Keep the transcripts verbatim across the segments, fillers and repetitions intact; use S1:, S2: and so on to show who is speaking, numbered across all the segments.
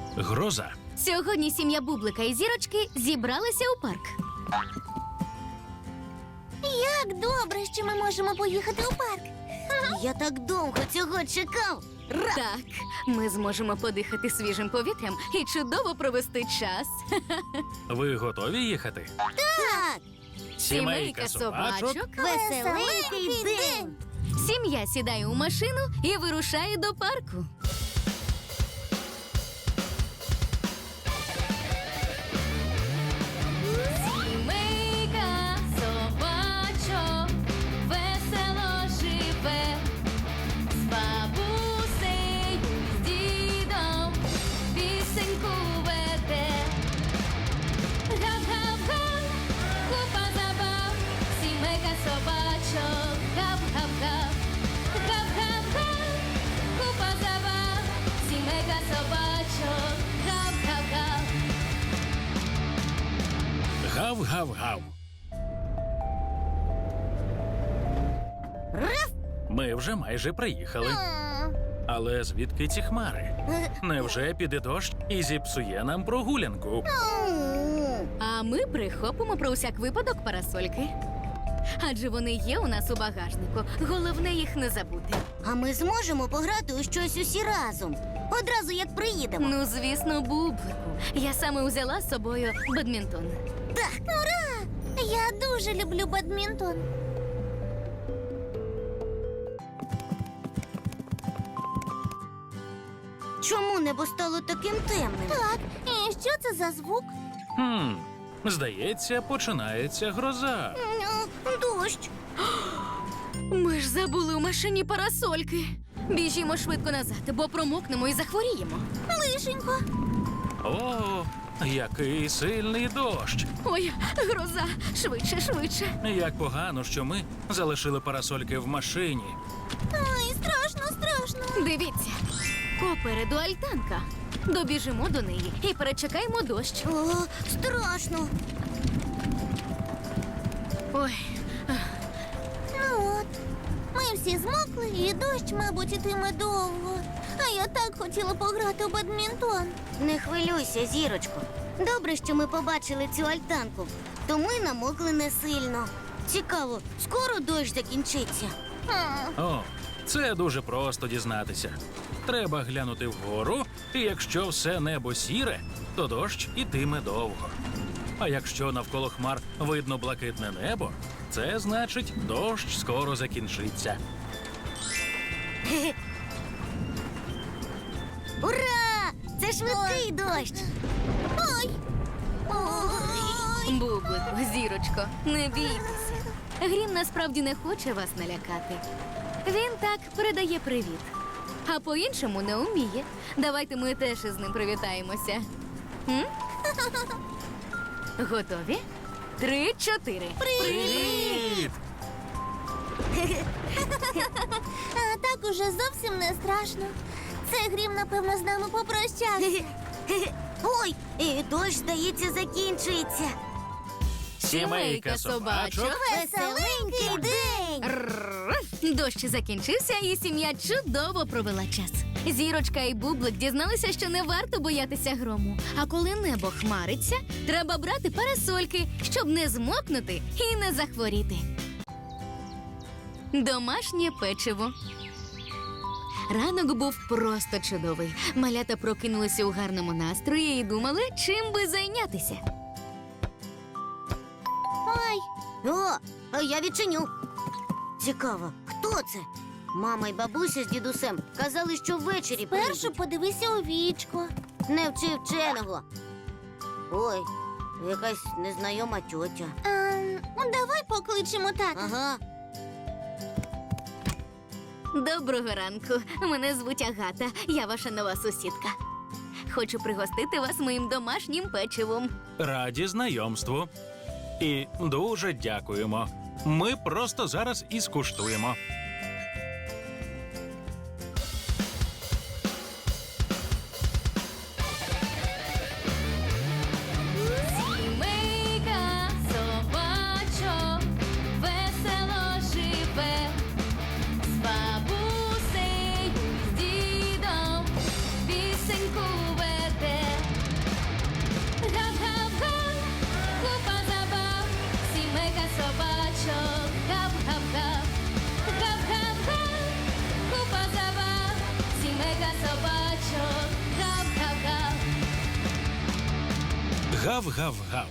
S1: Гроза.
S2: Сьогодні сім'я Бублика і Зірочки зібралися у парк.
S3: Як добре, що ми можемо поїхати у парк. Я так довго цього чекав.
S2: Так, ми зможемо подихати свіжим повітрям і чудово провести час.
S1: Ви готові їхати?
S3: Так,
S2: Сімейка собачок.
S3: веселенький день.
S2: Сім'я сідає у машину і вирушає до парку. Сімейка собачок весело живе, з бабусею, з дідом пісеньку веде. Гап-гап-га, купа забав, сімейка собачок, гап-гап-гап. Гап-гап-га, купа забав, сімейка собачок, гап-гап-гап.
S1: Гав-гав-гав. Ми вже майже приїхали. Але звідки ці хмари? Невже піде дощ і зіпсує нам прогулянку?
S2: А ми прихопимо про усяк випадок парасольки. Адже вони є у нас у багажнику. Головне їх не забути.
S3: А ми зможемо пограти у щось усі разом. Одразу як приїдемо.
S2: Ну, звісно, Бублику. Я саме взяла з собою бадмінтон.
S3: Так, ура! Я дуже люблю бадмінтон. Чому небо стало таким темним? Так, і що це за звук?
S1: Хм, здається, починається гроза.
S3: Дощ.
S2: Ми ж забули у машині парасольки. Біжімо швидко назад, бо промокнемо і захворіємо.
S3: Лишенько.
S1: О, який сильний дощ!
S2: Ой, гроза! Швидше, швидше.
S1: Як погано, що ми залишили парасольки в машині.
S3: Ой, страшно, страшно.
S2: Дивіться, попереду альтанка. Добіжимо до неї і перечекаємо дощ.
S3: О, страшно.
S2: Ой,
S3: Ну от, ми всі змокли, і дощ, мабуть, ітиме довго. А я так хотіла пограти у бадмінтон. Не хвилюйся, Зірочко. Добре, що ми побачили цю альтанку, то ми намокли не сильно. Цікаво, скоро дощ закінчиться.
S1: О, це дуже просто дізнатися. Треба глянути вгору, і якщо все небо сіре, то дощ ітиме довго. А якщо навколо хмар видно блакитне небо, це значить, дощ скоро закінчиться.
S3: Ура! Це швидкий дощ. Ой! Ой!
S2: Бублику, Зірочко, не бійтеся. Грім насправді не хоче вас налякати. Він так передає привіт, а по-іншому не вміє. Давайте ми теж із ним привітаємося. М? Готові? Три, чотири.
S1: Привіт!
S3: А так уже зовсім не страшно. Це Грім, напевно, з нами попрощався. Ой, і дощ, здається, закінчується.
S2: Сімейка собачок.
S3: Веселенький день!
S2: Рррр. Дощ закінчився, і сім'я чудово провела час. Зірочка і Бублик дізналися, що не варто боятися грому. А коли небо хмариться, треба брати парасольки, щоб не змокнути і не захворіти. Домашнє печиво. Ранок був просто чудовий. Малята прокинулися у гарному настрої і думали, чим би зайнятися.
S3: Ой! О, а я відчиню. Цікаво, хто це? Мама й бабуся з дідусем казали, що ввечері прийдуть. Спершу подивися у вічко. Не вчи вченого. Ой, якась незнайома тьотя. А, давай покличемо тата. Ага.
S2: Доброго ранку. Мене звуть Агата. Я ваша нова сусідка. Хочу пригостити вас моїм домашнім печивом.
S1: Раді знайомству. І дуже дякуємо. Ми просто зараз і скуштуємо.
S2: Сімейка собачок весело живе, з бабусею, з дідом пісеньку веде.
S1: Гав-гав-гав.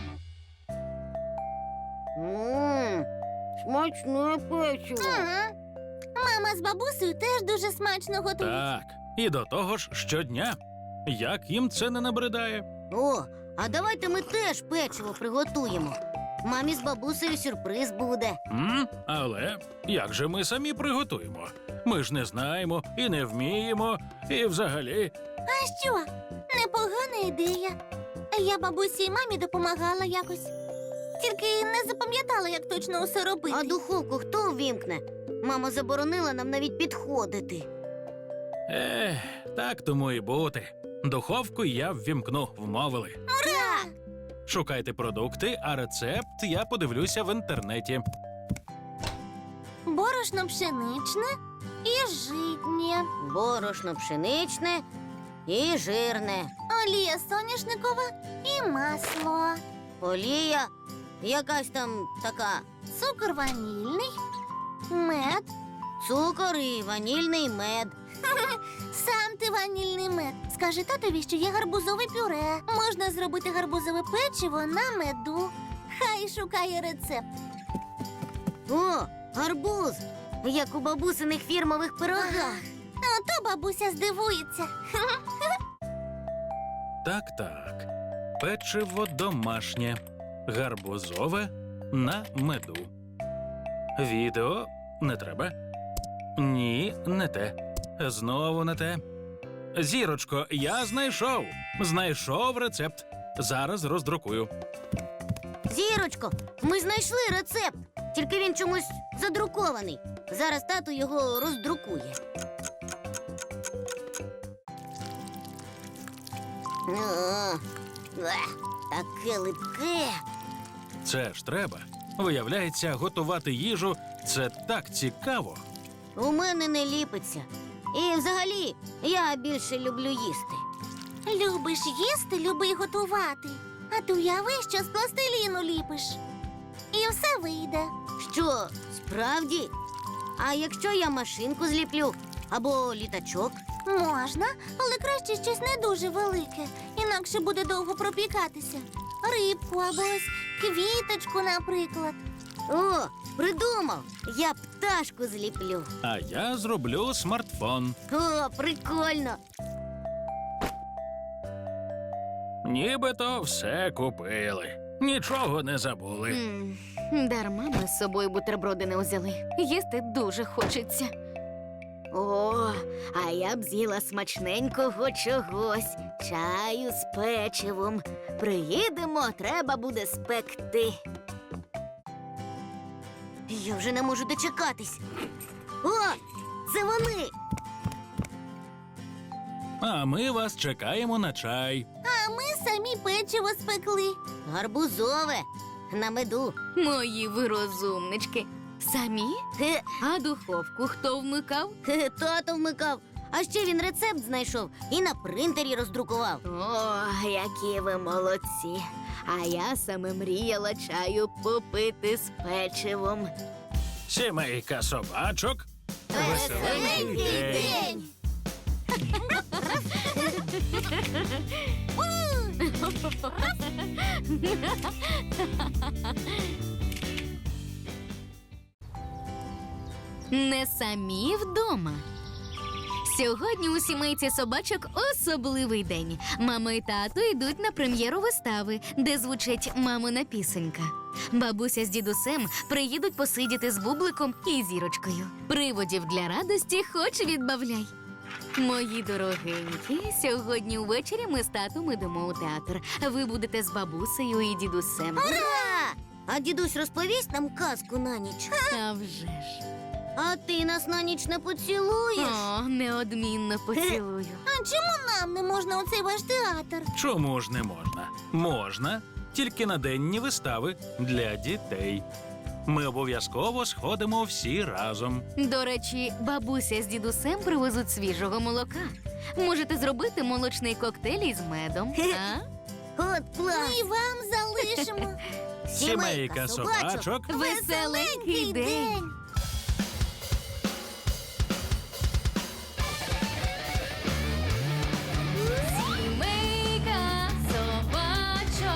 S3: Ммм, смачне печиво.
S4: Ага. Мама з бабусею теж дуже смачно готують.
S1: Так, і до того ж щодня. Як їм це не набридає?
S3: О, а давайте ми теж печиво приготуємо. Мамі з бабусею сюрприз буде.
S1: М? Але як же ми самі приготуємо? Ми ж не знаємо і не вміємо, і взагалі.
S4: А що? Непогана ідея. Я бабусі і мамі допомагала якось. Тільки не запам'ятала, як точно усе робити.
S3: А духовку хто увімкне? Мама заборонила нам навіть підходити.
S1: Ех, так тому і бути. Духовку я ввімкну, вмовили.
S3: Так!
S1: Шукайте продукти, а рецепт я подивлюся в інтернеті.
S4: Борошно пшеничне і житнє.
S3: Борошно пшеничне і жирне.
S4: Олія соняшникова і масло.
S3: Олія якась там така.
S4: Цукор ванільний, мед.
S3: Цукор і ванільний мед.
S4: Сам ти ванільний мед. Скажи татові, що є гарбузове пюре. Можна зробити гарбузове печиво на меду. Хай шукає рецепт.
S3: О, гарбуз! Як у бабусиних фірмових пирогах.
S4: Ото бабуся здивується.
S1: Так-так. Печиво домашнє. Гарбузове на меду. Відео не треба. Ні, не те. Знову не те. Зірочко, я знайшов. Знайшов рецепт. Зараз роздрукую.
S3: Зірочко, ми знайшли рецепт. Тільки він чомусь задрукований. Зараз тато його роздрукує. О, ех, таке липке.
S1: Це ж треба. Виявляється, готувати їжу – це так цікаво.
S3: У мене не ліпиться. І взагалі, я більше люблю їсти.
S4: Любиш їсти, люби й готувати. А ти уяви, що з пластиліну ліпиш. І все вийде.
S3: Що, справді? А якщо я машинку зліплю або літачок?
S4: Можна, але краще щось не дуже велике, інакше буде довго пропікатися. Рибку або ось квіточку, наприклад.
S3: О, придумав! Я пташку зліплю.
S1: А я зроблю смартфон.
S3: О, прикольно!
S1: Нібито все купили. Нічого не забули.
S2: М, Дарма ми з собою бутерброди не взяли. Їсти дуже хочеться. О, а я б з'їла смачненького чогось. Чаю з печивом. Приїдемо, треба буде спекти.
S3: Я вже не можу дочекатись. О, це вони!
S1: А ми вас чекаємо на чай.
S4: А ми самі печиво спекли.
S3: Гарбузове на меду.
S2: Мої ви розумнички. Самі?
S3: Хе,
S2: А духовку хто вмикав?
S3: хе, тато вмикав. А ще він рецепт знайшов і на принтері роздрукував.
S2: О, які ви молодці. А я саме мріяла чаю попити з печивом.
S1: Сімейка собачок. Веселенький день.
S2: Не самі вдома. Сьогодні у сімейці собачок особливий день. Мама і тато йдуть на прем'єру вистави, де звучить мамина пісенька. Бабуся з дідусем приїдуть посидіти з Бубликом і Зірочкою. Приводів для радості хоч відбавляй. Мої дорогенькі, сьогодні увечері ми з татом ідемо у театр. Ви будете з бабусею і дідусем.
S3: Ура! А дідусь розповість нам казку на ніч.
S2: А вже ж.
S3: А ти нас на ніч не поцілуєш?
S2: О, неодмінно поцілую.
S4: А чому нам не можна у цей ваш театр?
S1: Чому ж не можна? Можна, тільки на денні вистави для дітей. Ми обов'язково сходимо всі разом.
S2: До речі, бабуся з дідусем привезуть свіжого молока. Можете зробити молочний коктейль із медом. А?
S3: От клас!
S4: Ми вам залишимо.
S1: Сімейка собачок.
S2: Веселенький день! Сімейка собачок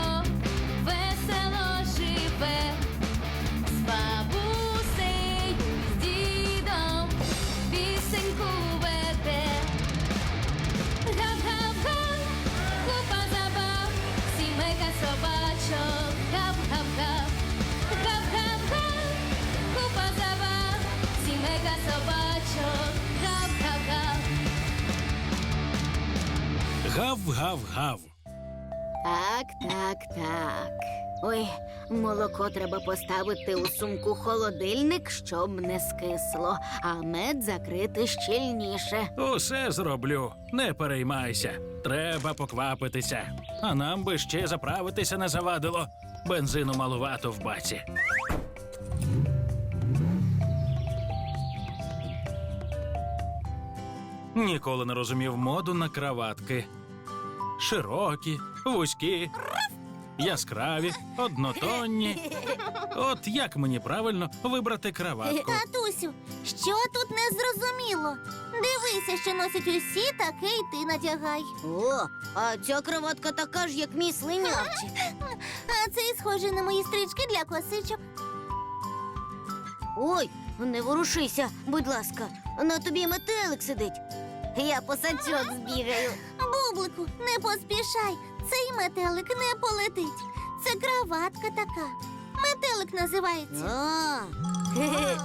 S1: Гав-гав-гав.
S2: Так, так, так. Ой, молоко треба поставити у сумку холодильник, щоб не скисло, а мед закрити щільніше.
S1: Усе зроблю, не переймайся. Треба поквапитися. А нам би ще заправитися не завадило. Бензину малувато в баці. Ніколи не розумів моду на краватки. Широкі, вузькі, яскраві, однотонні. От як мені правильно вибрати краватку?
S4: Татусю, що тут не зрозуміло? Дивися, що носять усі, таке й ти надягай.
S3: О, а ця кроватка така ж, як мій слинявчик.
S4: А це й схоже на мої стрічки для косичок.
S3: Ой, не ворушися, будь ласка. На тобі метелик сидить. Я по сачок збігаю.
S4: Бублику, не поспішай. Цей метелик не полетить. Це краватка така. Метелик називається.
S3: А, хе-хе.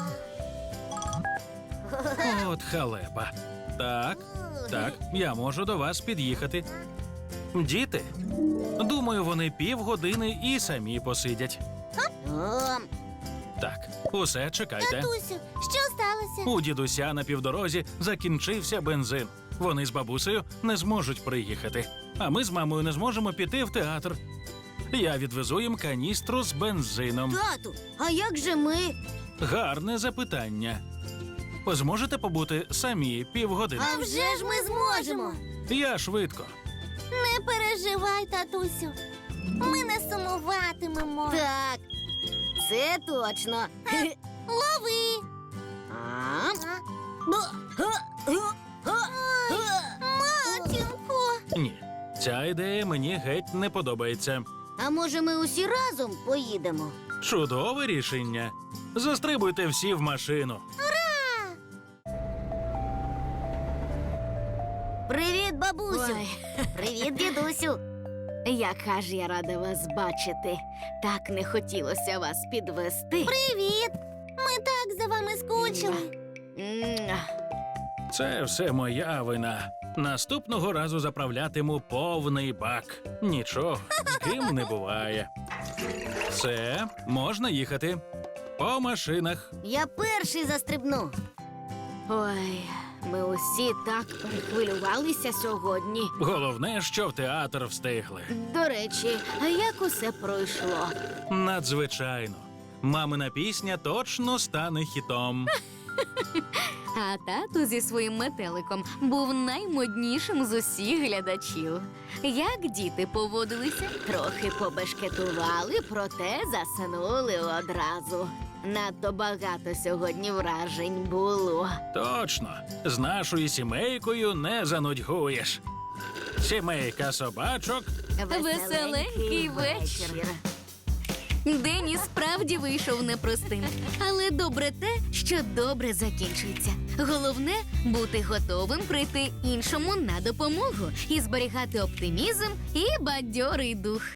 S1: От халепа. Так, так, я можу до вас під'їхати. Діти, думаю, вони півгодини і самі посидять.
S3: А,
S1: Так, усе, чекайте.
S4: Татусю, що сталося?
S1: У дідуся на півдорозі закінчився бензин. Вони з бабусею не зможуть приїхати. А ми з мамою не зможемо піти в театр. Я відвезу їм каністру з бензином.
S3: тату, а як же ми?
S1: Гарне запитання. Зможете побути самі півгодини?
S3: А вже ж ми зможемо.
S1: Я швидко.
S4: Не переживай, татусю. Ми не сумуватимемо.
S3: Так, це точно. Хе-хе.
S4: Лови.
S3: А?
S4: А?
S3: Бу- га- га- га- га.
S4: Матінко.
S1: Ні, ця ідея мені геть не подобається.
S3: А може ми усі разом поїдемо?
S1: Чудове рішення. Застрибуйте всі в машину.
S3: Привіт, бабусю.
S2: Ой.
S3: Привіт, дідусю.
S2: Яка ж я рада вас бачити. Так не хотілося вас підвести.
S4: Привіт. Ми так за вами скучили.
S2: М,
S1: Це все моя вина. Наступного разу заправлятиму повний бак. Нічого, з ким не буває. Все, можна їхати. По машинах.
S3: Я перший застрибну.
S2: Ой, ми усі так перехвилювалися сьогодні.
S1: Головне, що в театр встигли.
S2: До речі, а як усе пройшло?
S1: Надзвичайно. Мамина пісня точно стане хітом.
S2: А тато зі своїм метеликом був наймоднішим з усіх глядачів. Як діти поводилися? Трохи побешкетували, проте заснули одразу. Надто багато сьогодні вражень було.
S1: Точно, з нашою сімейкою не занудьгуєш. Сімейка собачок.
S2: Веселенький вечір. День і справді вийшов непростим. Але добре те, що добре закінчується. Головне – бути готовим прийти іншому на допомогу і зберігати оптимізм і бадьорий дух.